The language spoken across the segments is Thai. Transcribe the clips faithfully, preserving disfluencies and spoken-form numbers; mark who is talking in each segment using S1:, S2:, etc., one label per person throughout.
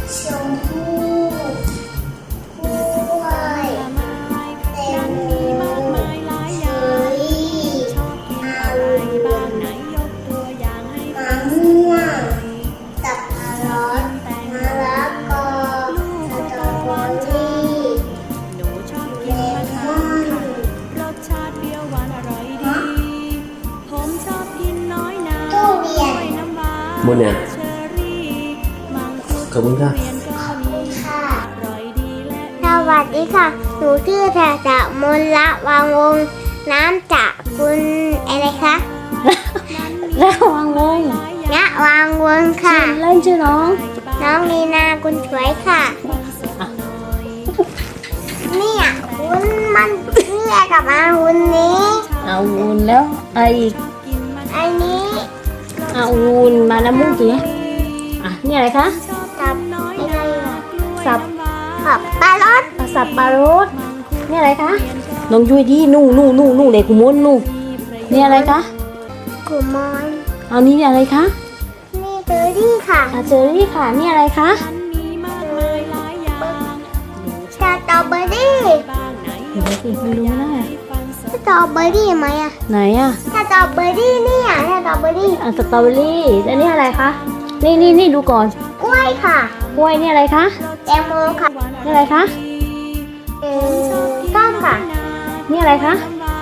S1: ชมพู่กล้วยแตงโมเชอรี่องุ่นมะม่วงสับปะรดมะละกอสตรอเบอรี่เลมอนทุเรียน
S2: หมดเนี่ยขอบคุณค่ะ
S1: สวัสดีค่ะ หนูชื่อแถจะมนละวางวงน้ำจากคุณอะไรคะ
S3: ระวังวง
S1: ณวางวงค่ะ
S3: เล่นชื่อน้อง
S1: น้องมีนาคุณสวยค่ะเนี่ยคุณมันเนี่ยกับอาวุธนี้
S3: เอาวุนแล้วอะไรอีก
S1: อันนี้
S3: เอาวุนมาน้ำมูกสิอ่ะนี่อะไรคะ
S1: กับอะไรอ่ะ
S3: สับ
S1: กับปลารส
S3: อ่ะสับปลารสนี่อะไรคะน้องยุ้ยดีนู่นู่นู่นู่เด็กกุมนนู่นี่อะไรคะ
S1: กุมอน
S3: เอานี่อะไรคะ
S1: นี่เบอร์รี่ค่ะ
S3: อาเจอรี่ค่ะนี่อะไรคะ
S1: สตรอเบอรี่
S3: เดี๋ยวสิไม่รู้นะ
S1: สตรอเบอรี่ไหมอ่ะ
S3: ไหนอ่ะ
S1: สตรอเบอรี่เนี่ยสตรอเบอรี่
S3: อ่ะสตรอเบอรี่แล้วนี่อะไรคะนี่นี่นี่ดูก่อน
S1: กล้วยค่ะ
S3: กล้วยนี่อะไรคะ
S1: แตงโมค่ะ
S3: นี่อะไรคะ
S1: เออส้มค่ะ
S3: นี่อะไรคะ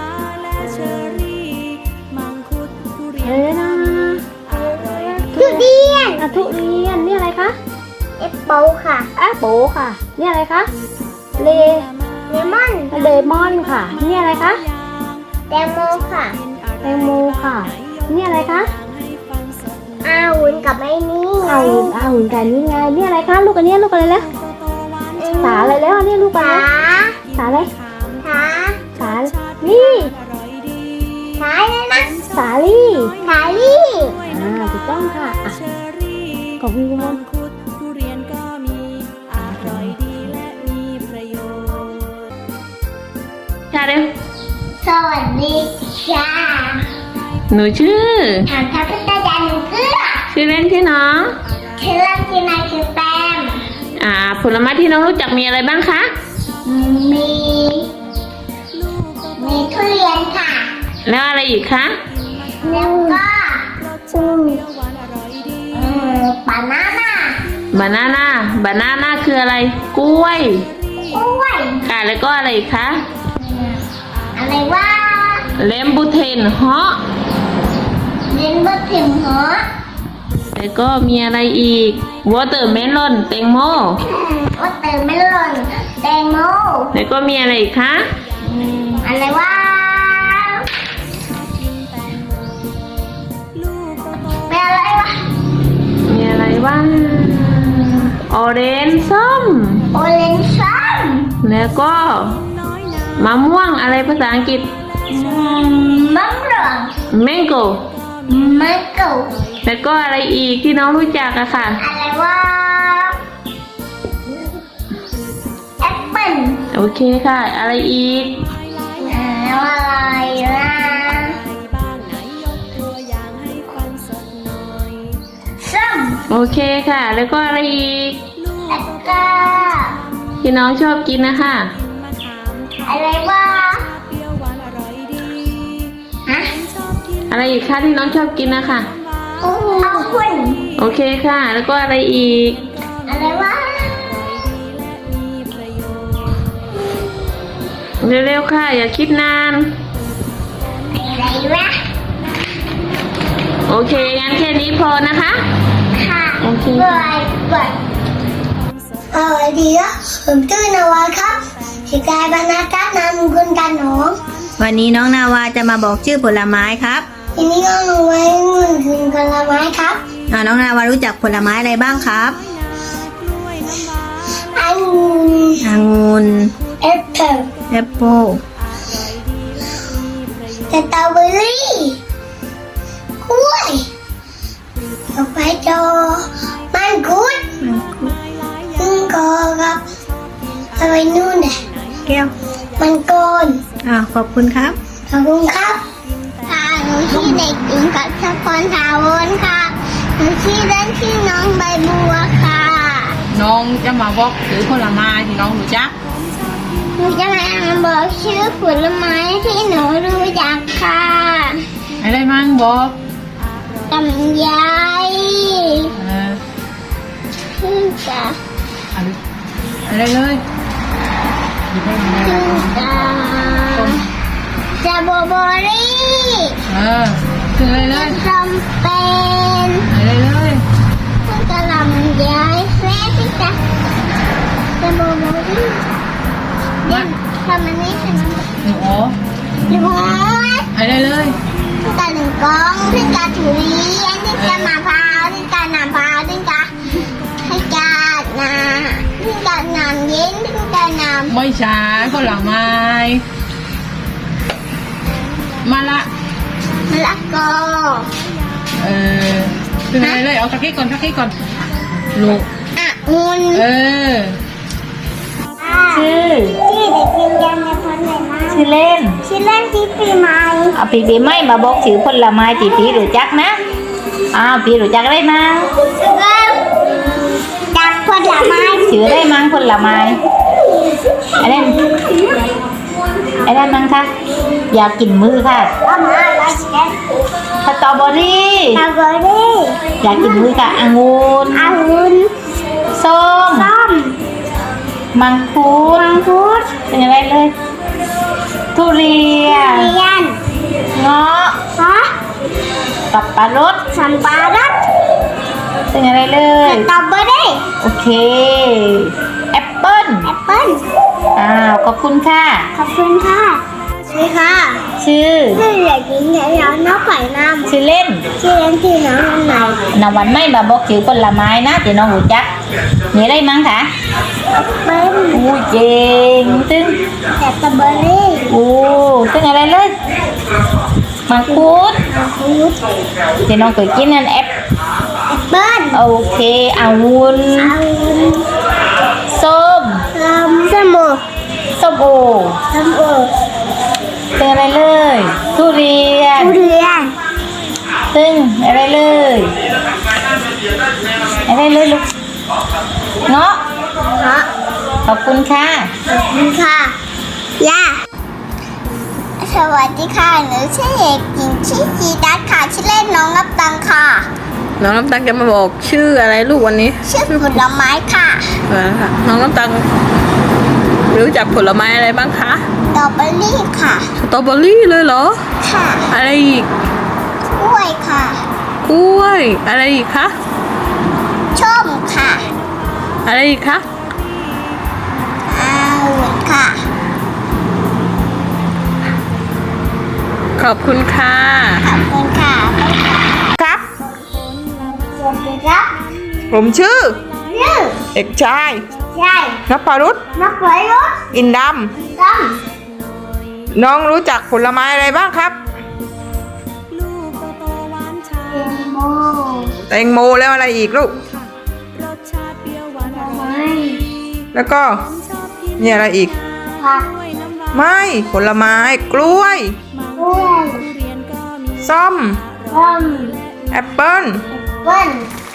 S3: อะไรนะ
S1: ทุเรียน
S3: อ่ะทุเรียนนี่อะไรคะ
S1: แอปเปิลค่ะ
S3: แอปเปิลค่ะนี่อะไรคะเล
S1: เลมอน
S3: เลมอนค่ะนี่อะไรคะ
S1: แตงโมค่ะ
S3: แตงโมค่ะนี่อะไรคะ
S1: อาวุธกับไอ้นี่
S3: เอาหุ่นเอาหุ่นกันนี่ไงนี่อะไรคะลูกอันนี้ลูกอะไรแล้วสาอะไรแล้วอันนี้ลูกอะไร
S1: ขา
S3: สาอะไร
S1: ขา
S3: สาลี่
S1: ขาเลยนะ
S3: สาลี่
S1: ขาลี่
S3: อ่าถูกต้องค่ะอ่ะขอบคุณคุณมนค่ะเร็ว
S1: สวัสดีค่ะ
S3: หนูชื่อ
S1: ถามทัพพิตาจันเกลือ
S3: ชื่อเล่นชื่อน้อง
S1: ชื่อเล่นชื่อนายชื่อแปม
S3: อ่าผลไม้ที่น้องรู้จักมีอะไรบ้างคะ
S1: มี มีทุเรียนค่ะ
S3: แล้วอะไรอีกคะ
S1: แล้วก็อืมเออบานาน่า
S3: บานาน่าบานาน่าคืออะไรกล้วย
S1: กล้วย
S3: ค่ะแล้วก็อะไรอีกคะ
S1: อะไรว่า
S3: เลมบูเทนฮอ
S1: เล่นบะถิ่มเหรอ
S3: แล้วก็มีอะไรอีกวอเตอร์เมลอนแตงโม
S1: ว่าเติมไม่หล่นแตงโม
S3: แล้วก็มีอะไรอีกคะ
S1: อืมอะไรว่าเป็นอะไรวะ
S3: มีอะไรบ้างออเรนจ์ส้ม
S1: โอเลนชัม
S3: แล้วก็มะม่วงอะไรภาษาอังกฤษ
S1: มะม่วง
S3: แมงโก
S1: มะกรูด
S3: แล้วก็อะไรอีกที่น้องรู้จักอะค่ะ
S1: อะไรว่าแอปเปิ้ล
S3: โอเคค่ะ อะไรอีก
S1: แล้วอะไรนะส้ม
S3: โอเคค่ะ แล้วก็อะไรอีก
S1: แล้วก็
S3: ที่น้องชอบกินนะคะ
S1: อะไรว่าฮะ
S3: อะไรอีกคะที่น้องชอบกินนะคะ
S1: เอาคุณ
S3: โอเคค่ะ แล้วก็อะไรอีก
S1: อะไรว่า
S3: เร็วๆค่ะ อย่าคิดนาน
S1: อะไรวะ
S3: โอเคงั้นแค่นี้พอนะคะ
S1: ค่ะ
S3: โอเค
S1: บายบายสวัสดีครับผมชื่อนวาครับชื่อกายบรรณาการนามคุณกันหนอง
S4: วันนี้น้องนาวาจะมาบอกชื่อผลไม้ครับ
S1: ทีนี้ก็หนูไว้เงินคืนผลไม้ครับ
S4: อ่าน้องนาวารู้จักผลไม้อะไรบ้างครับ
S1: องุ่น
S4: องุ่น
S1: แอปเปิ้ล
S4: แอปเปิ้ล
S1: สตรอเบอรี่กล้วยดอกไม้จอมังคุดมังกรครับอะไรนู่นน่ะ
S4: แก้ว
S1: มังกร
S4: อ่าขอบคุณครับ
S1: ขอบคุณครับค่ะหนูชื่อเด็กหญิงกัชพรถาวรค่ะหนูชื่อเล่นชื่อน้องใบบัวค่ะ
S2: น้องจะมาบอกถือผลไม้ที่น้องรู้จัก
S1: หนูจะมาบอกชื่อผลไม้ที่หนูรู้จักค่ะ
S2: อะไรมั่งบอก
S1: ลำไย
S2: เออ
S1: พึ่งกะ
S2: อะไรอะไรเลยหยิบให้มันได้
S1: พึ่งกะจะโบโบรี่
S2: เออคืออะไรเลย
S1: จำเป็น
S2: อะไรเลย
S1: พึ่งกะลำไยแม่ที่จะจะโบโบรี่เล่นทำอันนี้ใช่ไหม
S2: หนูอ๋อ
S1: หนู
S2: อะไรเลย
S1: พึ่งกะหนึ่งกองพึ่งกะถุเรียนพึ่งกะมะพร้าวพึ่งกะน้ำพร้าวพึ่งกะให้กะนาพึ่งกะน้ำเย็นพึ่งกะน้
S2: ไม่ใช่ผลไม้มาละ
S1: ำมะละกอ
S2: เออคืออะไรเลยเอาตะกี้ก่อนตะกี้ก่อนลูก
S1: องุ่น
S2: เออ
S3: ชื่อ
S1: ที่เด็กกินยังในพ้นเลยนะ
S3: ชื่อเล่น
S1: ชื่อเล่นที่ปีใหม่
S3: เอาปีปีไม่มาบอกชื่อผลไม้ตีปีรู้จักนะอ้าวปีรู้จักได้มั้ง
S1: เริ่มจากผลไม้
S3: ชื่อได้มั้งผลไม้อะไรอะไรมั้งคะอยากกินมือค่ะ
S1: ก็มาไว้เช็ด
S3: สตรอเบอรี่
S1: ตาเบอรี่
S3: อยากกินมือค่ะองุ่น
S1: องุ่น
S3: ส้ม
S1: ส้ม
S3: มังคุด
S1: มังคุด
S3: เป็นอะไรเลย ทุเรียน
S1: เรียน
S3: เงาะ
S1: ฮะ
S3: สับปะรด
S1: สัมปะรด
S3: เป็นอะไรเล
S1: ส
S3: ย
S1: ตรอเบอรี่
S3: โอเคแอปเปิ้ล
S1: แอปเปิ้ล
S3: อ้าวขอบคุณค่ะ
S1: ขอบคุณค่ะสวัสดีค่ะ
S3: ชื่อ
S1: ชื่อเด็กหญิงยายาน้องไข่น้ำ
S3: ชื่อเล่น
S1: ชื่อเล่นที่น้องอันไหน
S3: นวันไม่มาบอกชื่อผลไม้นะเดี๋ยวน้องรู้จักมีอะไรมั้งคะ
S1: เป็น
S3: อู้เจงตึ้ง
S1: สตรอเบอรี่
S3: อู้ตึ้งอะไรเลยมังคุด
S1: มังคุด
S3: เดี๋ยวน้องเคยกินนั่นแอป
S1: แอปเปิ้ล
S3: โอเคองุ่น
S1: องุ่น
S3: ส้ม
S1: ลำสมุน
S3: ส้มโอ
S1: สมุน
S3: เป็นอะไรเลยทุเรียน
S1: ทุเรียน
S3: ตึ้งอะไรเลยอะไรเลยลูกเงาะ
S1: เพราะ
S3: ขอบคุณค่ะ
S1: ขอบคุณค่ะย่าสวัสดีค่ะหนูชื่อเอกหญิงชื่อจีดัสค่ะชื่อเล่นน้องนับตังค่ะ
S2: น้องน้ำตังจะมาบอกชื่ออะไรลูกวันนี้
S1: ชื่อผลไม้ค่ะ
S2: เออค่ะน้องน้ำตังรู้จักผลไม้อะไรบ้างคะ
S1: สตรอเบอรี่ค่ะ
S2: สตรอเบอรี่เลยเหรอ
S1: ค่ะ
S2: อะไรอีก
S1: กล้วยค่ะ
S2: กล้วยอะไรอีกคะ
S1: ส้มค่ะ
S2: อะไรอีกคะ
S1: องุ่นค่ะ
S2: ขอบคุณค่ะ
S1: ขอบคุณค่ะ
S2: ครับ
S1: สวัสดีครับ
S2: ผมชื่อ
S1: ชื่อ
S2: เอกชาย
S1: ใช่
S2: นภรุษ
S1: นักไว้รถ
S2: อินด
S1: ต้ม
S2: ำน้องรู้จักผลไม้อะไรบ้างครับ
S1: เอ็มโม
S2: แตงโมแล้วอะไรอีกลูก
S1: ไม้
S2: แล้วก็มีอะไรอีก
S1: ผัก
S2: ไม่ผลไม้กล้วย
S1: กล้วย
S2: ส้ม
S1: ต้ม
S2: แอปเปิ้ล
S1: เปิ้ล